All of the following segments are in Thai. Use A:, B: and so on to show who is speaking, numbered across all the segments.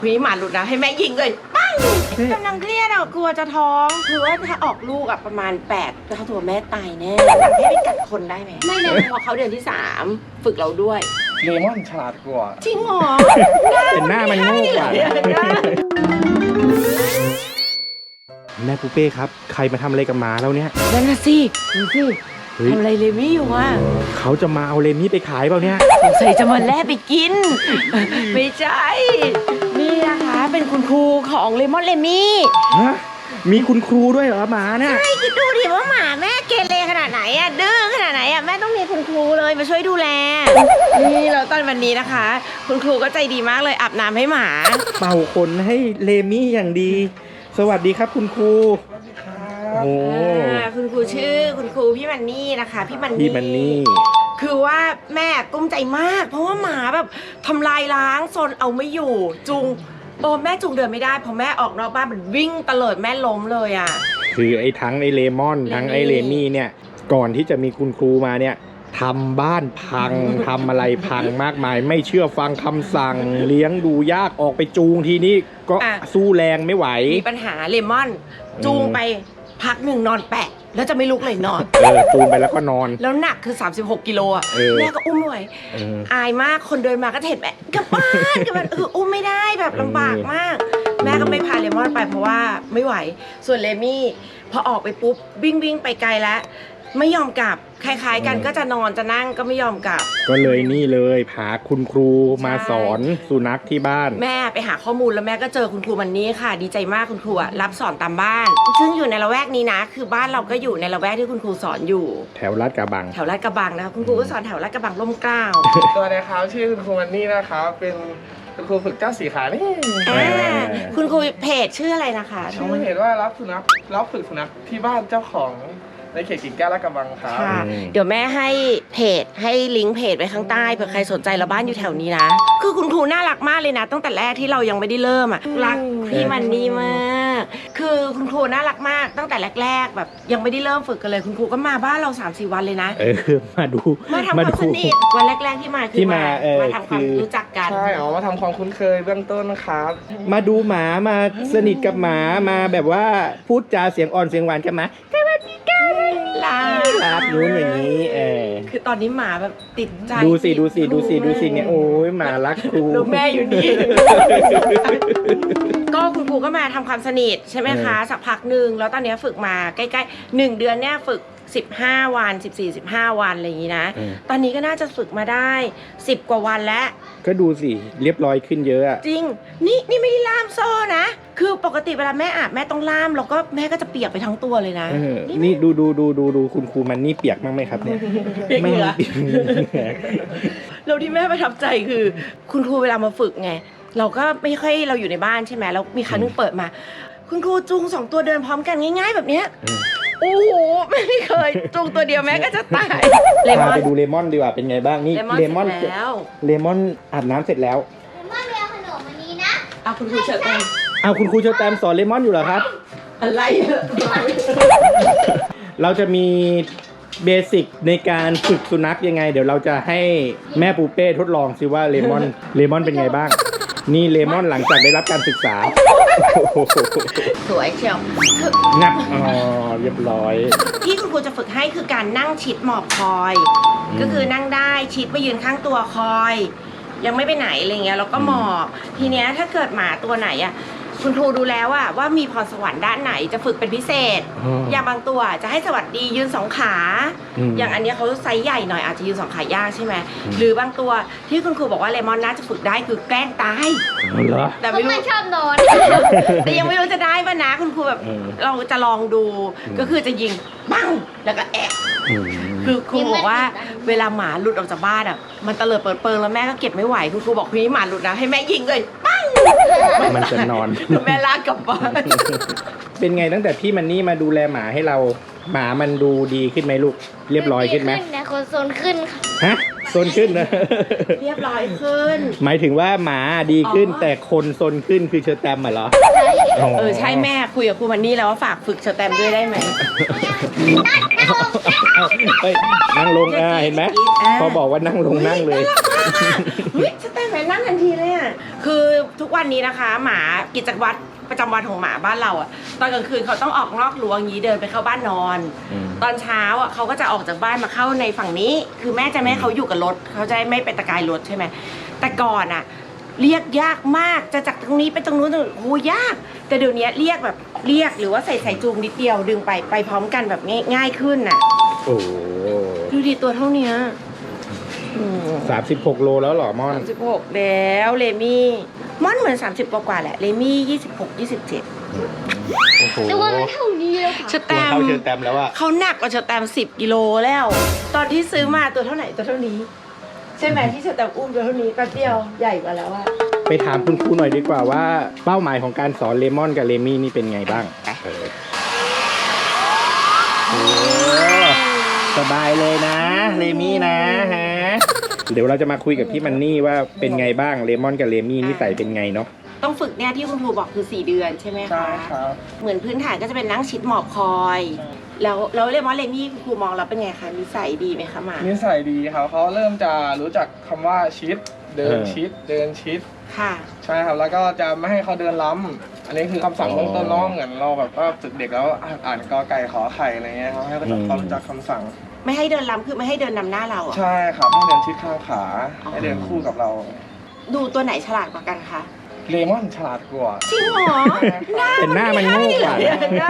A: มีหมาหลุดนะให้แม่ยิงเลยปังกำลังเครียดอ่ะกลัวจะท้องคือว่าถ้าออกลูกอ่ะประมาณ8แล้วตัวแม่ตายแน่สั่งให้ไปกัดคนได้ไหมไม่เลยพอเขาเดือนที่3ฝึกเราด้วย
B: เลมอนฉลาดกว่า
A: จริงเหรอ
C: เป็นหน้ามันโง่กว่าแม่ปูเป้ครับใครมาทำอะไรกับหมาแล้วเนี่ย
A: นั่นน่ะสิดูสิทำอะไรเลมี่อยู่อ่ะ
C: เขาจะมาเอาเลมี่ไปขายเปล่าเนี่ย
A: สงสัยจะมาแล่ไปกินไม่ใช่นี่นะคะเป็นคุณครูของเลมอนเลมี่
C: ฮะมีคุณครูด้วยเหรอหมาเนี่ย
A: ใช่คิดดูดิว่าหมาแม่เกเรขนาดไหนอ่ะดื้อขนาดไหนอ่ะแม่ต้องมีคุณครูเลยมาช่วยดูแลนี่แล้วตอนวันนี้นะคะคุณครูก็ใจดีมากเลยอาบน้ำให้หมา
C: เป่าขนให้เลมี่อย่างดีสวัสดีครับคุณครูโอ้
A: คุณครูชื่อคุณครูพี่มันนี่นะคะพี่มัน
C: นี่
A: คือว่าแม่กุ้มใจมากเพราะว่าหมาแบบทำลายล้างโซนเอาไม่อยู่จุงแม่จุงเดินไม่ได้พอแม่ออกนอกบ้านมันวิ่งตะเลิดแม่ล้มเลยอ่ะ
C: คือทั้งไอเลมอนทั้งไอเลมี่เนี่ยก่อนที่จะมีคุณครูมาเนี่ยทำบ้านพังทำอะไรพังมากมายไม่เชื่อฟังคำสั่งเลี้ยงดูยากออกไปจูงทีนี้ก็สู้แรงไม่ไหว
A: มีปัญหาเลมอนจูงไปพักหนึ่งนอนแปะแล้วจะไม่ลุกเลยนอน
C: จูงไปแล้วก็นอน
A: แล้วหนักคือ36กิโลอ่ะแม่ก็อุ้มไม่ไหวอายมากคนเดินมาก็เห็นแม่กลับบ้านอุ้มไม่ได้แบบลำบากมากแม่ก็ไม่พาเลมอนไปเพราะว่าไม่ไหวส่วนเลมี่พอออกไปปุ๊บวิ่งไปไกลแล้วไม่ยอมกลับคล้ายๆกันก็จะนอนจะนั่งก็ไม่ยอมกลับ
C: ก็เลยนี่เลยพาคุณครูมาสอนสุนัขที่บ้าน
A: แม่ไปหาข้อมูลแล้วแม่ก็เจอคุณครูวันนี้ค่ะดีใจมากคุณครูรับสอนตามบ้านซึ่งอยู่ในละแวกนี้นะคือบ้านเราก็อยู่ในละแวกที่คุณครูสอนอยู่
C: แถวลาดกระบัง
A: นะคะคุณครูก็สอนแถวลาดกระบังร่มเกล้า
B: ตัวนะครับชื่อคุณครูมันนี่นะครับเป็นคุณครูฝึกเจ้าสีขานี่
A: คุณครูเพจชื่ออะไรนะคะ
B: ชื่อเพจว่ารับฝึกสุนัขที่บ้านเจ้าของในเขตกิ่งแก้วลาดกระบังครับ
A: เดี๋ยวแม่ให้เพจให้ลิงก์เพจไว้ข้างใต้เผื่อใครสนใจแล้วบ้านอยู่แถวนี้นะคือคุณครูน่ารักมากเลยนะตั้งแต่แรกที่เรายังไม่ได้เริ่มอ่ะรักพี่มันนี่มากคือคุณครูน่ารักมากตั้งแต่แรกๆแบบยังไม่ได้เริ่มฝึกกันเลยคุณครูก็มาบ้านเรา 3-4 วันเลยนะ
C: มา
A: ทำความสนิทวันแรกๆที่มาคือมาทำความรู้จักกัน
B: ใช่มาทำความคุ้นเคยเบื้องต้นนะครับ
C: มาดูหมามาสนิทกับหมามาแบบว่าพูดจาเสียงอ่อนเสียงหวานกับหมารับนู้นอย่างนี้
A: คือตอนนี้หมาแบบติดใจ
C: ดูสิเนี่ยโอ้ยหมารักครู
A: ลูกแม่อยู่นี่ก็คุณครูก็มาทำความสนิทใช่ไหมคะสักพักหนึ่งแล้วตอนนี้ฝึกมาใกล้ๆ1 เดือนเนี่ยฝึก15 วัน14-15 วันอะไรอย่างนี้นะตอนนี้ก็น่าจะฝึกมาได้10 กว่าวันแล้ว
C: ก็ดูสิเรียบร้อยขึ้นเยอะอะ
A: จริงนี่ไม่ได้ล่ามโซ่นะคือปกติเวลาแม่อาบแม่ต้องล่ามแล้วก็แม่ก็จะเปียกไปทั้งตัวเลยนะ
C: นี่ดูคุณครูมันนี่เปียกมั้งไหมครับเนี่ย
A: ไม่เราที่แม่ประทับใจคือคุณครูเวลามาฝึกไงเราก็ไม่ค่อยเราอยู่ในบ้านใช่ไหมแล้วมีครั้งนึงเปิดมาคุณครูจูง2 ตัวเดินพร้อมกันง่ายๆแบบเนี้ยโอ้โหไม่เคยจูงตัวเดียวแม่ก็จะตาย
C: พาไปดูเลมอนดีกว่าเป็นไงบ้างนี่เลมอนอาบน้ำเสร็จแล้ว
D: เลมอนเรียนขนมอันนี้นะ
A: คุณครูเชิญ
C: คุณครูเชิญแตมสอนเลมอนอยู่เหรอครับ
A: อะไร
C: เราจะมีเบสิกในการฝึกสุนัขยังไงเดี๋ยวเราจะให้แม่ปูเป้ทดลองซิว่าเลมอนเป็นไงบ้างนี่เลมอนหลังจากได้รับการศึกษา
A: สวยเชียว
C: นับเรียบร้อย
A: ที่คุณครูจะฝึกให้คือการนั่งชิดหมอบคอยก็คือนั่งได้ชิดมายืนข้างตัวคอยยังไม่ไปไหนอะไรเงี้ยแล้วก็หมอบทีเนี้ยถ้าเกิดหมาตัวไหนอ่ะคุณครูดูแล้วว่ามีพรสวรรค์ด้านไหนจะฝึกเป็นพิเศษอย่างบางตัวจะให้สวัสดียืน2 ขาอย่างอันนี้เขาไซส์ใหญ่หน่อยอาจจะยืน2 ขายากใช่ไหมหรือบางตัวที่คุณครูบอกว่าเลมอนน่าจะฝึกได้คือแกล้งตาย
D: แต่ไม่รู้ชอบนอน
A: แต่ยังไม่รู้จะได้ป่ะนะคุณครูแบบเราจะลองดูก็คือจะยิงปังแล้วก็แอบคือครูบอกว่าเวลาหมาหลุดออกจากบ้านอ่ะมันเตลิดเปิดเปิงแล้วแม่ก็เก็บไม่ไหวคุณครูบอกพี่หมาหลุดนะให้แม่ยิงเลยปัง
C: มันจะนอน
A: แม่ลากกลับบ้าน
C: เป็นไงตั้งแต่พี่มันนี่มาดูแลหมาให้เราหมามันดูดีขึ้นไหมลูกเรียบร้อยขึ้นไหม
D: แต่คนโซนขึ้นค่ะ
C: ฮะโซนขึ้นนะ
A: เรียบร้อยขึ้น
C: หมายถึงว่าหมาดีขึ้นแต่คนโซนขึ้นคือเชอร์แตมเหรอ
A: ใช่แม่คุยกับครูมันนี่แล้วว่าฝากฝึกเชอร์แตมด้วยได้ไหม
C: นั่งลงเห็นไหมพอบอกว่านั่งลงนั่งเลย
A: เฮ้ยจะแต่งไหนนั่งทันทีเลยอ่ะคือทุกวันนี้นะคะ หมากิจวัตรประจำวันของหมาบ้านเราอ่ะตอนกลางคืนเขาต้องออกนอกรั้วอย่างนี้เดินไปเข้าบ้านนอน ตอนเช้าอ่ะเขาก็จะออกจากบ้านมาเข้าในฝั่งนี้ คือแม่จะไม่ให้เขาอยู่กับรถเขาจะไม่ไปตะกายรถใช่ไหมแต่ก่อนอ่ะเรียกยากมากจะจากตรงนี้ไปตรงนู้นโอ้ยาก แต่เดี๋ยวนี้เรียกแบบเรียกหรือว่าใส่สายจูงนิดเดียวดึงไปพร้อมกันแบบง่ายขึ้นน่ะ
C: โอ้
A: ดูดิตัวเท่านี้
C: 36 โลแล้วเหรอม่อน
A: 36แล้วเลมี่ม่อนเหมือน30กว่าแหละเลมี่26 27
C: โอ้โห
D: ตัวมันเท่านี้เลยค่ะ
A: เชอแต
C: ตัว
A: ม
C: เท่าเชิญแตมแล้วอะ
A: เขาหนักกว่าเชอแตม10 กิโลแล้ว ตอนที่ซื้อมาตัวเท่าไหร่ตัวเท่านี้ ใช่ไหมที่เชอแตมอุ้มตัวเท่านี้แป๊บเดียวใหญ่กว่าแล้วอะ
C: ไปถามคุณครูหน่อยดีกว่าว่าเป้าหมายของการสอนเลมอนกับเลมี่นี่เป็นไงบ้างโอ้สบายเลยนะเลมี่นะฮะเดี๋ยวเราจะมาคุยกับพี่มันนี่ว่าเป็นไงบ้างเลมอนกับเลมี่นิสัยเป็นไงเนาะ
A: ต้องฝึกเนี่ยที่คุณครูบอกคือ4 เดือนใช่ไหม
B: ใช่
A: คะ
B: ครับ
A: เหมือนพื้นฐานก็จะเป็นนั่งชิดหมอบคอย แล้วเลมอนเลมี่คุณครูมองแล้วเป็นไงคะนิสัยดีไหมคะหมา
B: นิสัยดีครับเขาเริ่มจะรู้จักคำว่าชิดเดินชิดเดินชิด
A: ค่ะ
B: ใช่ครับแล้วก็จะไม่ให้เขาเดินล้ำอันนี้คือคำสั่งเบื้องต้นเน้องเหมือนเราแบบว่าฝึกเด็กแล้วอ่านกอไก่ขอไข่อะไรเงี้ยครับให้เขารู้จักคำสั่ง
A: ไม่ให้เดินล้ำคือไม่ให้เดินนำหน้าเราอะ
B: ใช่ครับให้เดินชิดข้างขาให้เดินคู่กับเรา
A: ดูตัวไหนฉลาดกว่ากันคะ
B: เลมอนฉลาดกว่า
A: จริงเหรอ
C: เป็นหน้ามันโง่กว่า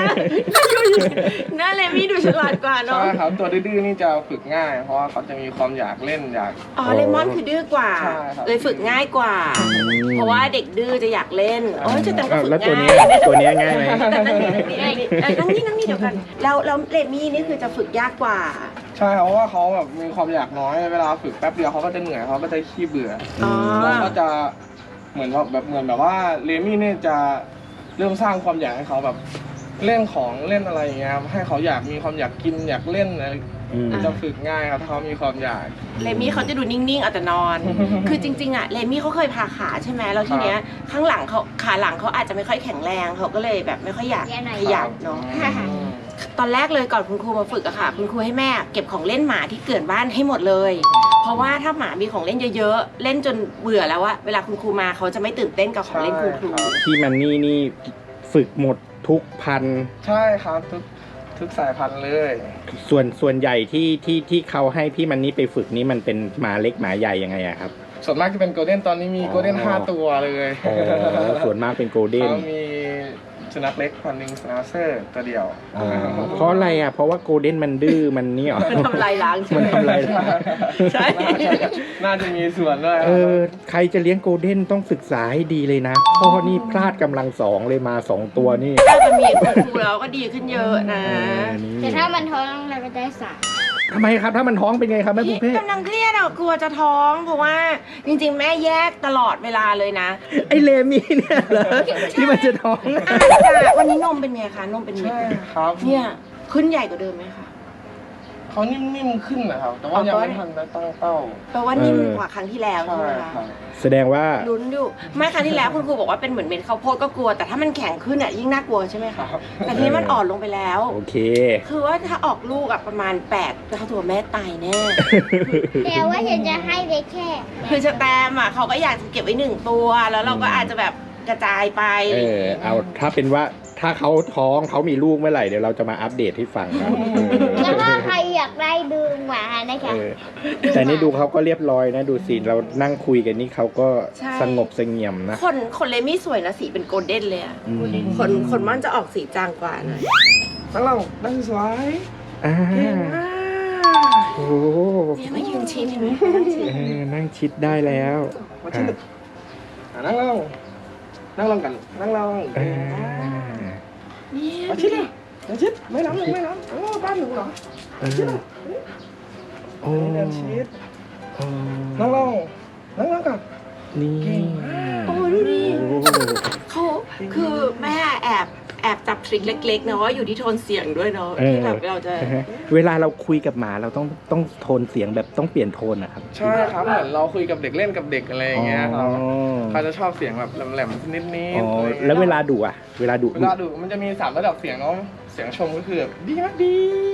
A: หน้าเลมี่ดูฉลาดกว่าเนาะ
B: ใช่ครับตัวดื้อๆนี่จะฝึกง่าย เพราะว่าเขาจะมีความอยากเล่นอยาก
A: อ๋อเลมอนคือดื้อกว่า
B: ใช่ครับ
A: เลยฝึกง่ายกว่า เพราะว่าเด็กดื้อจะอยากเล่นโอ้ยจะแต่ก็ฝึก
C: แล้วตัว
A: ง่า
C: นี้
A: ย
C: ตัวนี้ง่ายไหม
A: นั่งนี่เดี๋ยวกันแล้วเลมี่นี่คือจะฝึกยากกว่า
B: ใช่ครับเพราะว่าเขาแบบมีความอยากน้อยเวลาฝึกแป๊บเดียวเขาก็จะเหนื่อยเขาก็จะขี้เบื่อ
A: อ๋อ
B: เราก็จะเหมือนแบบว่าเลมี่เนี่ยจะเริ่มสร้างความอยากให้เขาแบบเล่นของเล่นอะไรอย่างเงี้ยครับให้เขาอยากมีความอยากกินอยากเล่นอะไรจะฝึกง่ายครับถ้าเขามีความอยาก
A: เลมี่เขาจะดูนิ่งๆเอาแต่นอน คือจริงๆอะเลมี่เขาเคยผ่าขาใช่ไหมแล้วทีเนี้ยข้างหลังเขาขาหลังเขาอาจจะไม่ค่อยแข็งแรงเขาก็เลยแบบไม่ค่อยอยากขยับเนาะ ตอนแรกเลยก่อนคุณครูมาฝึกอะค่ะ คุณครูให้แม่เก็บของเล่นหมาที่เกลื่อนบ้านให้หมดเลย เพราะว่าถ้าหมามีของเล่นเยอะๆ เล่นจนเบื่อแล้วอะเวลาคุณครูมาเขาจะไม่ตื่นเต้นกับของเล่นคุณครู
C: พี่มันนี่ฝึกหมดทุกพัน
B: ใช่ครับทุกสายพันธุ์เลย
C: ส่วนใหญ่ที่เขาให้พี่มันนี่ไปฝึกนี่มันเป็นหมาเล็กหมาใหญ่ยังไงอะครับ
B: ส่วนมากจะเป็นโกลเด้นตอนนี้มีโกลเด้น5 ตัวเลย
C: อ๋อส่วนมากเป็นโกลเด้น
B: เขามีสุนัขเล็กพันธุ์หนึ่งสนาเซอร์ตัวเดียว
C: เพราะอะไรอ่ะเพราะว่าโกลเด้นมันดื้อมันนี่หรอ
A: มันทำลายล้างใช่ไหม
C: มันทำลายล้าง
A: ใช่
B: น่าจะมีส่วนด้วย
C: ใครจะเลี้ยงโกลเด้นต้องศึกษาให้ดีเลยนะพ่อนี่พลาดกำลัง2เลยมา2ตัวนี่
A: ถ้าจะมีคุณครูแล้วก็ดีขึ้นเยอะนะ
D: แต่ถ้ามันท้องเราก็ได้สาม
C: ทำไมครับถ้ามันท้องเป็นไงครับแม่
A: พี่
C: ปุ๊เพ่
A: กำลังเครียดอะกลัวจะท้อง เพราะว่าจริงๆแม่แยกตลอดเวลาเลยนะ
C: ไอเลมี่เนี่ยเหรอที่มันจะท้อง
A: อาจวันนี้นมเป็นไงคะนมเป็นเม็ด
B: ใช่ครับ
A: เนี่ยขึ้นใหญ่กว่าเดิมไหมคะ
B: เขานิ่มๆขึ้นนะครับ แต่ว่ายังไม่ทันได้ตั้งเป้า
A: แปลว่านิ่มกว่าครั้งที่แล้ว
B: ใช่
A: ใช่ไหมคะ
B: ครับ
C: แสดงว่า
A: ลุ้นอยู่ไม่ครั้งที่แล้วคุณครูบอกว่าเป็นเหมือนเม็ดข้าวโพดก็กลัวแต่ถ้ามันแข็งขึ้นอ่ะยิ่งน่ากลัวใช่ไหมคะ
B: ครับ
A: แต่ทีนี้มันอ่อนลงไปแล้ว
C: โอเค
A: คือว่าถ้าออกลูกอ่ะประมาณ8เท่าตัวแม่ตายแน่
D: แต่ว่าฉันจะให้ไปแค่
A: คือสแตมอ่ะเขาก็อยากจะเก็บไว้1 ตัวแล้วเราก็อาจจะแบบกระจายไป
C: เอาถ้าเป็นว่าถ้าเขาท้องเขามีลูกเมื่อไหร่เดี๋ยวเราจะมาอัปเดตให้ฟังนะ
D: แล้วถ้าใครอยากได้ดูหมานะคะ
C: แต่นี่ดูเขาก็เรียบร้อยนะดูสิเรานั่งคุยกันนี่เขาก็
A: ใช่
C: สงบเสงี่ยมนะ
A: คนเลมี่สวยนะสีเป็นโกลเด้นเลยอ่ะ
C: อืม
A: คนม่อนจะออกสีจางกว่าหน่อย
B: ตั้งเรานั่งสวย
C: อ่า
A: เก่งมาก
C: โอ้โห
A: เนี่ยมายืนชิดเห็นไหม
C: นั่งชิดได้แล้ว
B: มาชิดนั่งลงนั่งลงกันนั่งลง
C: อ่า
A: เนี่ย
B: มาชิดเลยมาชิดไม่ล้ำเลยไม่ล้ำโอ้บ้านหนูเหรอ
C: เออโอ้
B: เดินชิด
C: โอ้
B: นั่งลงนั่งลงกัน
C: นี่
A: โอ้ดูดิ
C: โอ้
A: เขาคือแม่แอบจับทริคเล็กๆนะว่าอยู่ที่โทนเสียงด้วยเนาะที่แบบเราจะ
C: เวลาเราคุยกับหมาเราต้องโทนเสียงแบบต้องเปลี่ยนโทนนะครับ
B: ใช่ครับเหมือนเราคุยกับเด็กเล่นกับเด็กอะไรอย่างเงี้ยครับ
C: อ๋อ
B: เขาจะชอบเสียงแบบแหลมๆนิดๆ
C: อ๋อ
B: อะไรอย่างงี้ย
C: แล้วเวลาดุอ่ะ เวลาดุ
B: เวลาดูมันจะมี3 ระดับเสียงเนาะเสียงชมก็คือแบบดีมากดี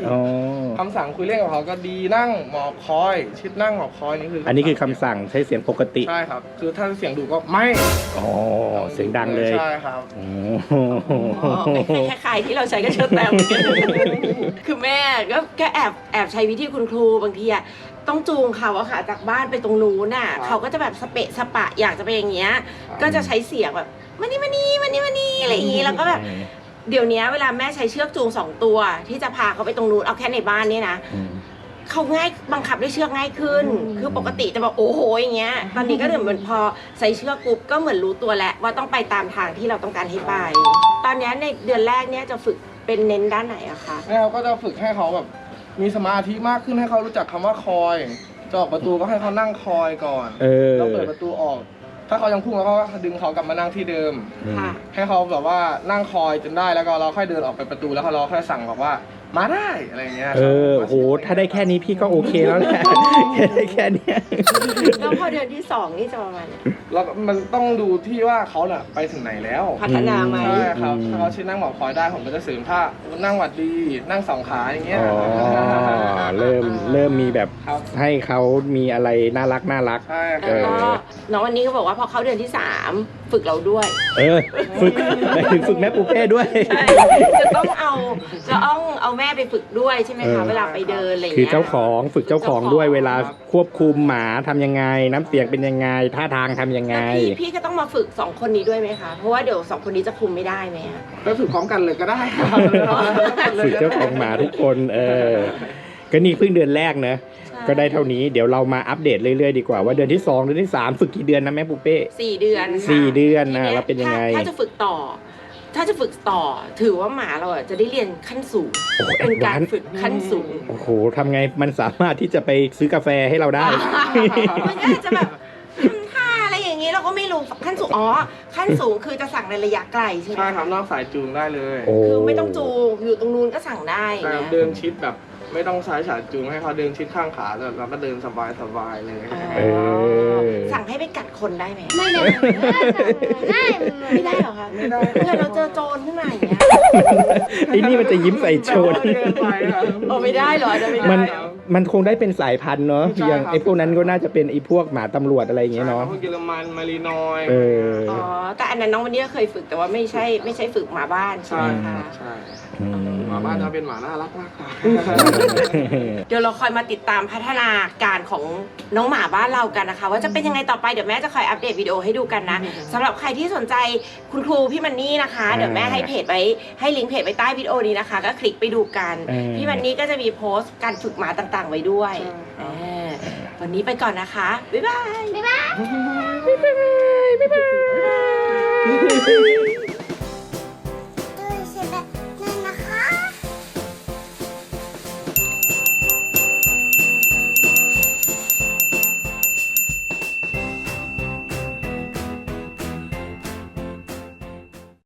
C: อ๋อ
B: คำสั่งคุยเล่นกับเขาก็ดีนั่งหมอบคอย ชิดนั่งหมอบคอยนี่คือ
C: อั
B: อั
C: นนี้คือคำสั่งใช้เสียงปกติ
B: ใช่ครับ คือถ้าเสียงดุก็ไม่
C: อ๋อ เสียงดังเลย
B: ใช่ครับ
C: โอ้
A: คล้ายๆที่เราใช้กับเชิญแตม คือแม่ก็แอบใช้วิธีคุณครูบางทีอะต้องจูงเขาอะค่ะจากบ้านไปตรงนู้นน่ะ
B: ครับ
A: เขาก็จะแบบสเปะสปะอยากจะไปอย่างเงี้ย ก็จะใช้เสียงแบบมานี่อะไรอย่างงี้แล้วก็แบบเดี๋ยวนี้เวลาแม่ใช้เชือกจูง2 ตัว ที่จะพาเขาไปตรงนู้นเอาแค่ในบ้านเนี่ยนะ เขาง่ายบังคับด้วยเชือกง่ายขึ้น คือปกติจะแบบโอ้โหอย่างเงี้ย ตอนนี้ก็เหมือนพอใส่เชือกปุ๊บก็เหมือนรู้ตัวแล้วว่าต้องไปตามทางที่เราต้องการให้ไป ตอนนี้ในเดือนแรกเนี่ยจะฝึกเป็นเน้นด้านไหนอะคะ
B: แม่เขาก็จะฝึกให้เขาแบบมีสมาธิมากขึ้นให้เขารู้จักคำว่าคอยจะออกประตูก็ให้เขานั่งคอยก่อน แล้วเปิดประตูออก ถ้าเขายังพุ่งแล้วก็ดึงเขากลับมานั่งที่เดิม
A: ค่ะ
B: ให้เขาแบบว่านั่งคอยจนได้แล้วก็เราค่อยเดินออกไปประตูแล้วเราค่อยสั่งบอกว่ามาได้อะไรอย่างเงี้ย
C: โห ถ้าได้แค่นี้พี่ก็โอเคแล้วแหละ ได้แค่เนี้ย
A: แล้วพอเดือนที่ 2 นี่จะประมาณไหน
B: แล้วมันต้องดูที่ว่าเขาน่ะไปถึงไหนแล้ว
A: พัฒนาไหม
B: ใช่ครับถ้าเขาชิดนั่งหมอบคอยได้ผมก็จะเสริมถ้านั่งหวัดดีนั่ง2 ขาอย่างเงี้ย
C: อ๋อ เริ่มมีแบบ
B: ครับ
C: ให้เขามีอะไรน่ารัก
B: ใช่ค
A: แล้ว
B: รับ
A: ก็น้องวันนี้ก็บอกว่าพอเข้าเดือนที่ 3 ฝึกเราด้วย
C: ฝึกไปถึงฝึกแม่ปูเป้ด้วย
A: ใช่จะต้องเอาแม่ไปฝึกด้วยใช่ไหมคะ เวลาไปเดินอะไรอย่าง
C: คือ
A: เงี้ย
C: เจ้าของฝึกเจ้าของด้วยเวลาควบคุมหมาทำยังไง น้ำเสียงเป็นยังไง ท่าทางทำยังไง
A: แล้วพี่ก็ต้องมาฝึก2 คนนี้ด้วยไหมคะ เพราะว่าเดี๋ยว2 คนนี้จะคุมไม่ได้ไหมอะ
B: ไปฝึกพร้อมกันเลยก็ได้ครับ
C: ฝึกเจ้าของหมาทุกคนก็นี่เพิ่งเดือนแรกเนอะ
A: ใช่
C: ก็ได้เท่านี้เดี๋ยวเรามาอัปเดตเรื่อยๆดีกว่าว่าเดือนที่ 2 เดือนที่ 3 ฝึกกี่เดือนนะแม่ปูเป้
A: 4 เดือนค่ะ
C: 4 เดือน
A: ทีย
C: แล้วเป็นยังไง
A: ถ้าจะฝึกต่อ ถือว่าหมาเราอะจะได้เรียนขั้นสูง
C: โอ้โห
A: เป็นการ
C: advance
A: ฝึกขั้นสูง
C: โอ้โหทำไงมันสามารถที่จะไปซื้อกาแฟให้เราได้
A: มันก็อาจจะแบบทำท่าอะไรอย่างนี้เราก็ไม่รู้ขั้นสูงขั้นสูงคือจะสั่งในระยะไกลใช่ไหม
B: ใช่ครับนอกสายจูงได้เลย
C: โอ้
A: คือไม่ต้องจูงอยู่ตรงนู้นก็สั่งได้
B: แต่
A: นะ
B: เดินชิดแบบไม่ต้องใช้สายจูงให้เขาเดินชิดข้างขาแล้วก็เดินสบายๆเลย
A: สั่งให้ไปกัดคนได้ไหม
D: ไม่ได้ไม่ได้
A: ไม่ได้เหรอคะ
B: ไม่ได้
A: เพื่อนเราเจอโจรขึ้นมาอย่างเงี้ย
C: ไอ้นี่มันจะยิ้มใส่โจร
B: เกินไปครับ
A: โอ้ไม่ได้เหรอจะไม่ได้
C: มัน
A: เหรอ
C: มันคงได้เป็นสายพันธุ์เนาะ
B: ใช่
C: อย่าง
B: ครับ
C: ไอ้พวกนั้นก็น่าจะเป็นไอ้พวกหมาตำรวจอะไรอย่างเงี้ยเนาะ
B: พวกเยอรมันมารีนอย
C: เออ
A: อ๋อแต่อันนั้นน้องวันนี้ก็เคยฝึกแต่ว่าไม่ใช่ฝึกหมาบ้านใช่
B: ใช่
A: ไหม
B: ครั
A: คะ
B: บใช่หมาบ้านจะเป็นหมาน่ารักมากครับ
A: เดี๋ยวเราคอยมาติดตามพัฒนาการของน้องหมาบ้านเรากันนะคะ ว่าจะเป็นยังไงต่อไปเดี๋ยวแม่จะคอยอัปเดตวิดีโอให้ดูกันนะสำหรับใครที่สนใจคุณครูพี่มันนี่นะคะ เดี๋ยวแม่ให้เพจไว้ให้ลิงก์เพจไว้ใต้วิดีโอนี้นะคะ ก็คลิกไปดูกัน พี่มันนี่ก็จะมีโพสต์การฝึกหมาต่างๆ ไว้ด้วย
B: ใช่
A: เออวันนี้ไปก่อนนะคะบ๊ายบาย
D: บ๊ายบาย
C: บ๊ายบาย